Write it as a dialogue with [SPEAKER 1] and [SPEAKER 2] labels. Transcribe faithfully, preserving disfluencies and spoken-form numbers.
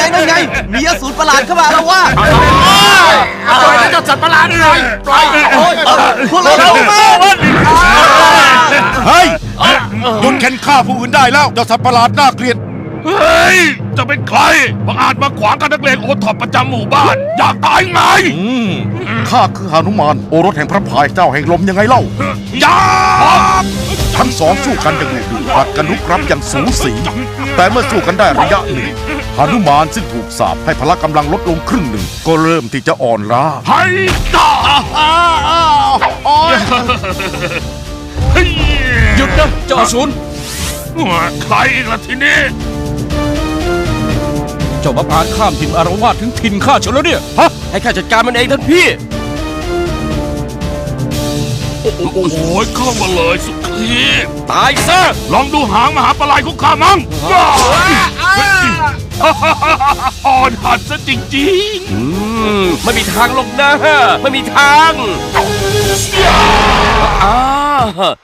[SPEAKER 1] นั่นไงมีอสูรประหลาดเข้ามาแล้วว่า
[SPEAKER 2] ปล่อยเจ้าสัตว์ประหลาดหน่อยปล่อย
[SPEAKER 1] โอ้ยพวกเรา
[SPEAKER 3] เฮ้ยหยุดเข็นฆ่าผู้อื่นได้แล้วเจ้าสัตว์ประหลาดน่าเกลียด
[SPEAKER 2] เฮ้ยจะเป็นใครบังอาจมาขวางกันนักเลงโอท็อปประจำหมู่บ้านอยากตายไง
[SPEAKER 3] ข้าคือหนุมานโอรสแห่งพระพายเจ้าแห่งลมยังไงเล่า
[SPEAKER 2] อยา
[SPEAKER 3] ทั้งสองสู้กันอย่างดุเดือดผลัดกันลุกรับอย่างสูสีแต่เมื่อสู้กันได้ระยะหนึ่งหนุมานซึ่งถูกสาปให้พละกำลังลดลงครึ่งหนึ่งก็เริ่มที่จะอ่อนล้า
[SPEAKER 2] ให้ต่อ
[SPEAKER 1] หยุดนะเจ้าอสูร
[SPEAKER 2] ใครอีกล่ะทีนี้
[SPEAKER 1] เจ้ามาพานข้ามถิ่นอารวาสถึงถิ่นข้าเฉลแล้วเนี่ยฮะให้ข้าจัดการมันเองท่านพี่
[SPEAKER 2] โอ้โหเข้ามาเลยสุขี
[SPEAKER 1] ตายซะ
[SPEAKER 2] ลองดูหางมหาปลายของข้ามั่งอ่อนหัดซะจริง
[SPEAKER 1] ๆไม่มีทางลงนะไม่มีทางอ้า